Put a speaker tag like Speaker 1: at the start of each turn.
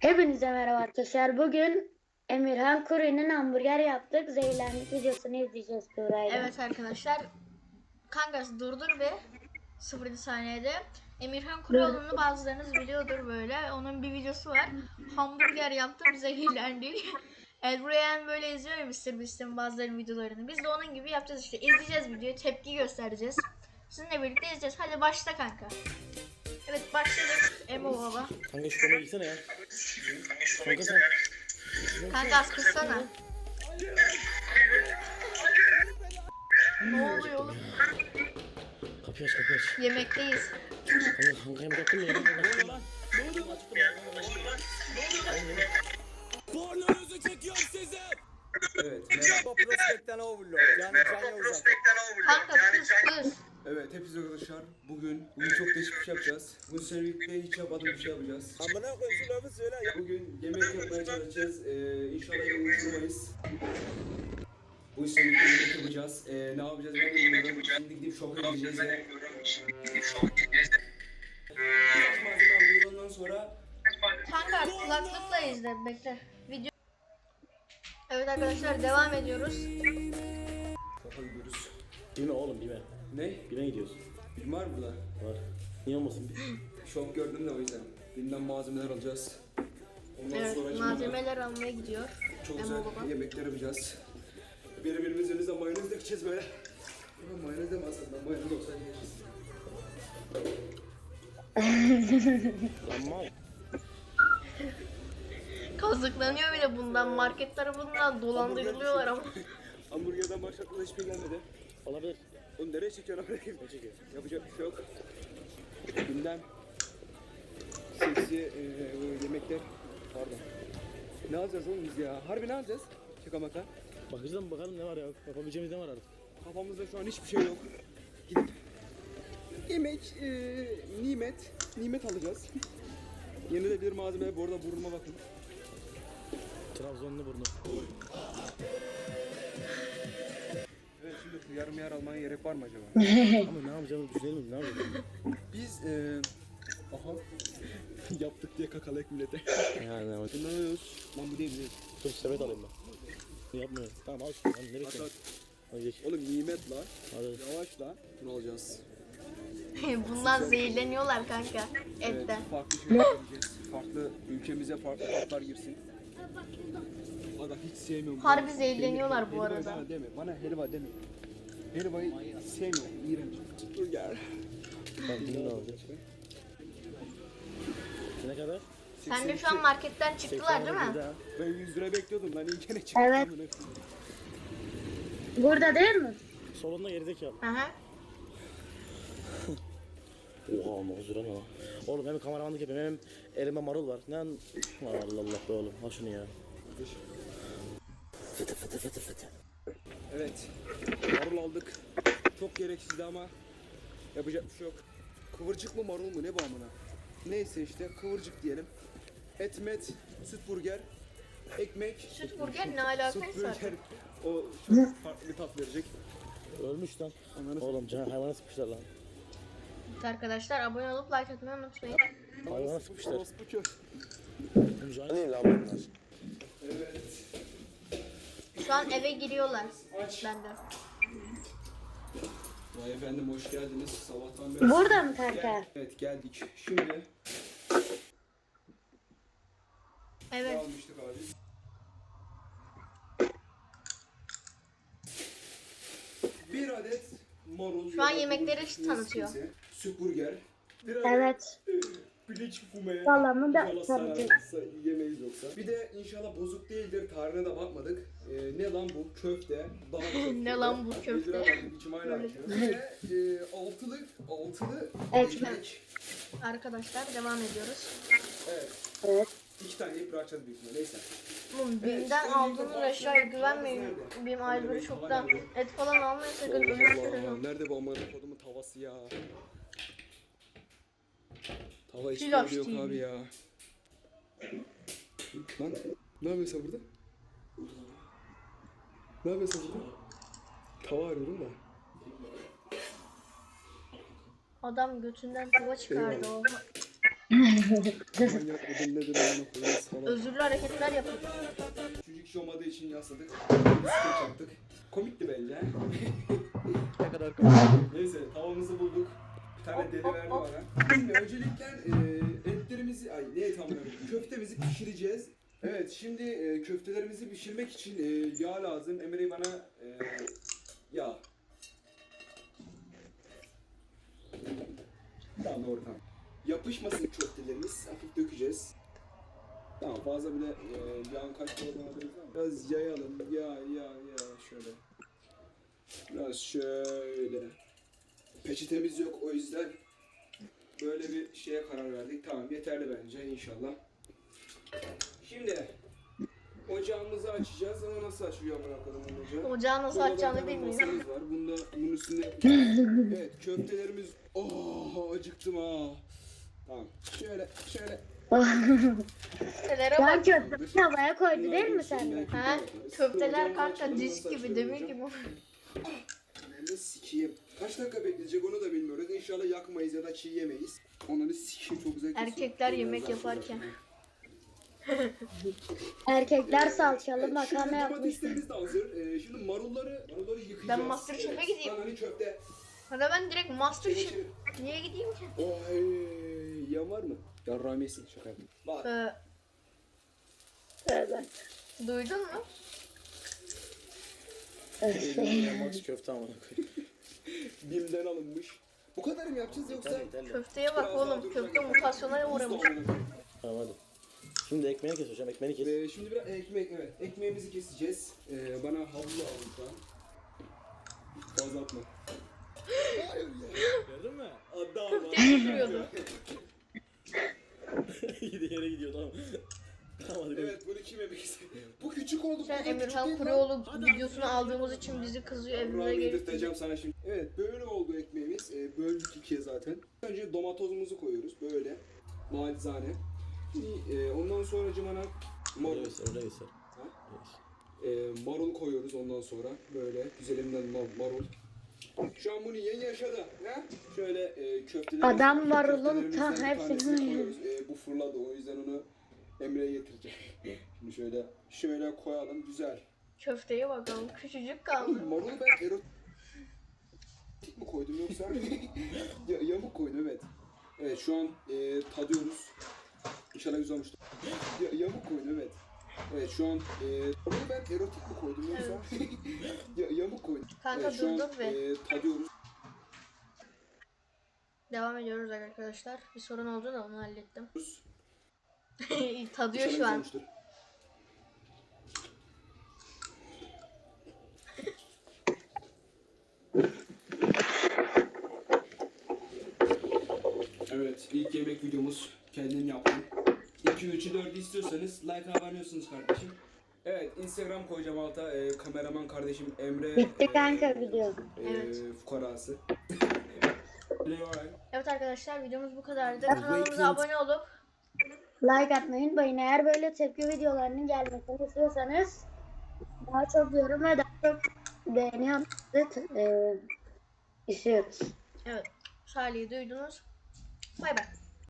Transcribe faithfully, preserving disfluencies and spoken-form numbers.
Speaker 1: Hepinize merhaba arkadaşlar. Bugün Emirhan Kuru'nun hamburger yaptık. Zehirlendik videosunu izleyeceğiz Kura'yla.
Speaker 2: Evet arkadaşlar. Kankası durdur ve sıfır saniyede. Emirhan Kuroğlu'nu bazılarınız biliyordur böyle. Onun bir videosu var. Hamburger yaptım zehirlendik. Elbreyen böyle izliyor ya mister Beast'in bazılarının videolarını. Biz de onun gibi yapacağız işte. İzleyeceğiz videoyu. Tepki göstereceğiz. Sizinle birlikte izleyeceğiz. Hadi başla kanka. Evet başladık. Emo baba.
Speaker 3: Kanka şu konuya gitsene ya. Kanka sen.
Speaker 2: Kanka az kıssana. Ne oluyor oğlum?
Speaker 3: Kapıyı aç kapıyı aç.
Speaker 2: Yemekteyiz.
Speaker 3: Kanka kanka yemek yaptın mı? Yemek yaptın mı? Ne oluyor lan?
Speaker 4: Pornonuzu çekiyorum size. Evet, merhaba Prospekten Overlord. Yani Can Yavuzak.
Speaker 2: Kanka kız kız.
Speaker 4: Evet, hepinize arkadaşlar. Bugün, bugün çok değişik bir şey yapacağız. Bu senelikte hiç yapmadığım bir şey yapacağız. Amına koyayım şu lafı söyle ya. Bugün yemek yapmaya çalışacağız. Ee, inşallah unutmayız. Bu senelikte yemek yapacağız. Ee, ne yapacağız ben bilmiyorum. Şimdi gidip şoka gideceğiz ya. Biraz malzeme alıyoruz ondan sonra.
Speaker 2: Kanka kulaklıkla izle bekle. Video. Evet arkadaşlar devam ediyoruz.
Speaker 4: Şoka gidiyoruz.
Speaker 3: Bilme oğlum bilme.
Speaker 4: Ne?
Speaker 3: Bilme gidiyoruz.
Speaker 4: Film var mı burada?
Speaker 3: Var. Niye olmasın?
Speaker 4: Şok gördüm de o yüzden. Birinden malzemeler alacağız. Ondan
Speaker 2: Evet
Speaker 4: sonra
Speaker 2: malzemeler almaya gidiyor.
Speaker 4: çok
Speaker 2: Emo
Speaker 4: güzel
Speaker 2: baba.
Speaker 4: yemekler yapacağız. Birbirimizin üzerine mayonez dökeceğiz böyle. Ama mayonez de aslında mayonez olsa yiyeceğiz.
Speaker 3: Ama
Speaker 2: Kazıklanıyor bile bundan market tarafından dolandırılıyorlar ama.
Speaker 4: Hamburgerden başlatmadan hiçbir gelmedi.
Speaker 3: olabilir.
Speaker 4: Oğlum nereye çekiyorsun oraya? Ne çekiyor? Yapacak bir şey yok. Gündem. Seksi e, yemekler. Pardon. Ne alacağız oğlum biz ya? Harbi ne alacağız? Şaka maka.
Speaker 3: Bakacağız bakalım ne var ya. Yapabileceğimiz ne var artık.
Speaker 4: Kafamızda şu an hiçbir şey yok. Gidip yemek, e, nimet, nimet alacağız. Yenilebilir malzeme. Bu arada burnuma bakın.
Speaker 3: Trabzonlu burnu.
Speaker 4: Evet şimdi yarım yer almaya gerek var mı acaba?
Speaker 3: Ama ne yapacağımızı düşünelim mi? Ne yapacağız?
Speaker 4: Biz e, aha yaptık diye kakalayak millete.
Speaker 3: Yani ne yapacağız?
Speaker 4: Bundan alıyoruz. Lan bu değil değil.
Speaker 3: Dur sepet alayım ben. Yapmıyorum. Tamam al şunu. Lan nereye
Speaker 4: At,
Speaker 3: gidiyorsun?
Speaker 4: at.
Speaker 3: Hadi geç.
Speaker 4: Oğlum nimet la.
Speaker 3: Hadi.
Speaker 4: Yavaş la. Bunu alacağız.
Speaker 2: Bundan zehirleniyorlar kanka
Speaker 4: Evet,
Speaker 2: etten.
Speaker 4: farklı şeyler yapacağız. Farklı ülkemize farklı tatlar girsin. Adam hiç sevmiyorum.
Speaker 2: Harbi zehirleniyorlar bu
Speaker 4: Helva
Speaker 2: arada.
Speaker 4: Bana deme. Bana helva deme. Helvayı sevmiyorum. İğrenç. Dur gel.
Speaker 3: Tamam bunu ne alacağız? Ne kadar?
Speaker 2: Sen de şu an marketten çıktılar değil mi?
Speaker 4: Ben yüz lira bekliyordum lan ilkene çıktı.
Speaker 1: Evet. Burada değil mi?
Speaker 3: Solunda gerizekalı.
Speaker 2: Hı hı.
Speaker 3: Oha dokuz lira ne lan? Oğlum hem kameramanlık yapayım hem elime marul var. Ne an... Allah Allah be oğlum. Al şunu ya. Fıtı fıtı fıtı fıtı.
Speaker 4: Evet. Marul aldık. Çok gereksizdi ama yapacak bir şey yok. Kıvırcık mı marul mu ne bu amına? Neyse işte kıvırcık diyelim. Et met, süt burger, ekmek.
Speaker 2: Süt burger ne
Speaker 4: Süt
Speaker 2: alakaysa.
Speaker 4: burger o çok farklı bir tat verecek.
Speaker 3: Ölmüş lan.
Speaker 4: Ananı
Speaker 3: Oğlum can hayvana sıkmışlar lan.
Speaker 2: Arkadaşlar abone olup like atmayı unutmayın.
Speaker 3: Hayvana sıkmışlar.
Speaker 4: Orospu kö.
Speaker 3: Can değil lan bunlar.
Speaker 4: Evet.
Speaker 2: Şu an eve giriyorlar.
Speaker 4: Aç.
Speaker 2: Benden.
Speaker 4: Vay efendim hoş geldiniz. Sabahtan beri.
Speaker 1: Burada mı kanka?
Speaker 4: Evet geldik. Şimdi ne
Speaker 2: Evet.
Speaker 4: almıştık abi? Bir adet marul.
Speaker 2: Şu an
Speaker 4: ya da
Speaker 2: yemekleri
Speaker 4: kıvırcık
Speaker 2: tanıtıyor.
Speaker 4: neyse, Süt burger. Bir adet
Speaker 1: Evet.
Speaker 4: piliç fume.
Speaker 1: Salamı da
Speaker 4: İnşallah
Speaker 1: tanıtıyor.
Speaker 4: sararsa yemeyiz yoksa. Bir de inşallah bozuk değildir. Tarihine de bakmadık. Ee, ne lan bu? Köfte. Daha köfte.
Speaker 2: Ne lan bu köfte?
Speaker 4: Yediramadım, içim hala acıyor. Ve e, altılı, altılı
Speaker 1: Ekmek.
Speaker 4: ekmek.
Speaker 2: Arkadaşlar devam ediyoruz.
Speaker 4: Evet.
Speaker 1: Evet.
Speaker 4: İki tane yiyip bırakacağız büyük ihtimalle. Neyse.
Speaker 2: Oğlum Bim'den aldığınız aşağıya güvenmeyin. Bim ayrıları çoktan et falan almayın sakın
Speaker 4: Allah
Speaker 2: ölürsünüz.
Speaker 4: Allah. Nerede bu amına kodumun tavası ya? Tava hiç
Speaker 2: Pilav
Speaker 4: yok
Speaker 2: değil.
Speaker 4: abi ya. Lan ne yapıyorsun sen burada? Ne yapıyorsun sen burada? Tava arıyorum da.
Speaker 2: Adam götünden tava çıkardı o.
Speaker 4: Manyak mıdır nedir amına koyayım falan.
Speaker 2: Özürlü hareketler yapıyor.
Speaker 4: Çocuk iş olmadığı için yasladık. Skeç yaptık. Komikti bence.
Speaker 3: Ne kadar komik.
Speaker 4: Neyse tavamızı bulduk. Bir tane deli verdi bana. Şimdi öncelikle e, etlerimizi, ay ne et amına koyayım, köftemizi pişireceğiz. Evet şimdi e, köftelerimizi pişirmek için e, yağ lazım. Emre bana e, yağ. Tamam doğru tamam. Yapışmasın köftelerimiz. Hafif dökeceğiz. Tamam fazla bile e, yağın kaç kadar alırız ama biraz yayalım. Ya ya ya şöyle. Biraz şöyle. Peçetemiz yok o yüzden böyle bir şeye karar verdik. Tamam yeterli bence inşallah. Şimdi ocağımızı açacağız ama nasıl açıyor amına koyayım ocağı?
Speaker 2: Ocağı nasıl
Speaker 4: Burada
Speaker 2: açacağını
Speaker 4: bir tane
Speaker 2: bilmiyorum.
Speaker 4: masamız var. Bunda bunun üstünde evet köftelerimiz. Oh acıktım ha. Tamam. Şöyle şöyle.
Speaker 2: Köftelere
Speaker 1: Şu an
Speaker 2: bak.
Speaker 1: köfteyi havaya koydu
Speaker 4: Bunlar
Speaker 1: değil mi
Speaker 4: dursun,
Speaker 1: sende?
Speaker 4: belki
Speaker 2: Ha?
Speaker 4: yaparız.
Speaker 2: Köfteler
Speaker 4: Ocağımızı
Speaker 2: kanka
Speaker 4: açalım,
Speaker 2: disk
Speaker 4: nasıl
Speaker 2: gibi,
Speaker 4: açılıyor
Speaker 2: demir
Speaker 4: hocam?
Speaker 2: gibi.
Speaker 4: Ben de sikeyim. Kaç dakika bekleyecek onu da bilmiyoruz. İnşallah yakmayız ya da çiğ yemeyiz. Onları sikeyim çok güzel kesiyor.
Speaker 2: Erkekler
Speaker 4: Biraz
Speaker 2: yemek
Speaker 4: daha
Speaker 2: yaparken.
Speaker 4: sonra.
Speaker 1: Erkekler salçalı
Speaker 4: Evet,
Speaker 1: makarna
Speaker 4: şimdi
Speaker 1: yapmış.
Speaker 4: domateslerimiz de hazır. Ee, şimdi marulları, marulları yıkayacağız.
Speaker 2: Ben Masterchef'e
Speaker 4: Evet,
Speaker 2: gideyim.
Speaker 4: Lan hani köfte.
Speaker 2: Hadi ben direkt Masterchef. Niye gideyim ki?
Speaker 4: Oy, yan var mı? Ya Rames'in şaka yaptım. Var.
Speaker 2: Ee,
Speaker 1: Evet.
Speaker 2: duydun mu?
Speaker 3: Elimden Max köfte amına koyayım.
Speaker 4: Bim'den alınmış. Bu kadar mı yapacağız yoksa?
Speaker 3: Yeterli yeterli.
Speaker 2: Köfteye bak
Speaker 4: Biraz daha
Speaker 2: oğlum.
Speaker 4: duracak.
Speaker 2: Köfte mutasyona uğramış.
Speaker 3: Tamam hadi. Şimdi ekmeğini kes hocam ekmeğini kes.
Speaker 4: Ee, şimdi biraz ekmek, evet. Ekmeğimizi keseceğiz. Ee, bana havlu alın şu an. Fazla atma. Hayır ya.
Speaker 3: Gördün mü?
Speaker 4: Adam
Speaker 2: Köfteyi pişiriyordu.
Speaker 3: Gidiyor yere gidiyor tamam. Tamam hadi.
Speaker 4: Evet bunu kim yemek istiyor? Bu küçük oldu.
Speaker 2: Sen
Speaker 4: bu kadar küçük
Speaker 2: Emirhan
Speaker 4: değil lan.
Speaker 2: Kuruoğlu videosunu aldığımız için bizi kızıyor. Evine
Speaker 4: Rahmi
Speaker 2: gelip
Speaker 4: yedirteceğim sana şimdi. Evet böyle oldu ekmeğimiz. Ee, böldük ikiye zaten. Önce domatozumuzu koyuyoruz böyle. Macizane. Ee, ondan sonra cımana
Speaker 3: Öyle
Speaker 4: marul.
Speaker 3: göster öyle göster.
Speaker 4: Ha? Ee, marul koyuyoruz ondan sonra. Böyle güzelinden mar- marul. Şu an bunu yeni yaşadı. Ha? Şöyle e, köftelerimizi,
Speaker 1: Adam marulun
Speaker 4: köftelerimizden
Speaker 1: ta
Speaker 4: bir
Speaker 1: hepsini
Speaker 4: tanesini
Speaker 1: yiyor.
Speaker 4: koyuyoruz. Ee, bu fırladı o yüzden onu Emre'ye getireceğim. Şimdi şöyle şöyle koyalım güzel.
Speaker 2: köfteye bakalım. Küçücük kaldı.
Speaker 4: Marulu ben erotik mi koydum yoksa ya, yamuk koydum evet. Evet şu an e, tadıyoruz. İnşallah güzel olmuştur. Ya, yamuk koydum evet. Evet şu an e, marulu ben erotik mi koydum yoksa ya, yamuk koydum.
Speaker 2: Kanka
Speaker 4: Evet şu an
Speaker 2: durdur ve
Speaker 4: e, tadıyoruz.
Speaker 2: devam ediyoruz arkadaşlar. Bir sorun oldu da onu hallettim.
Speaker 4: İnşallah
Speaker 2: Tadıyor
Speaker 4: güzel
Speaker 2: şu an.
Speaker 4: olmuştur. Evet, ilk yemek videomuz kendim yaptım. iki, üçü, dördü istiyorsanız like aboneyossunuz kardeşim. Evet, Instagram koyacağım alta. Ee, kameraman kardeşim Emre.
Speaker 1: Bitti
Speaker 4: e,
Speaker 1: kanka video.
Speaker 4: e,
Speaker 2: Evet.
Speaker 4: Fukarası.
Speaker 2: Evet arkadaşlar videomuz bu kadardı. Kanalımıza abone olup
Speaker 1: Like atmayı unutmayın. Eğer böyle tepki videolarının gelmesini istiyorsanız daha çok yorum ve daha çok beğeni yapmanızı e, istiyoruz.
Speaker 2: evet Salih'i duydunuz. Bay bay.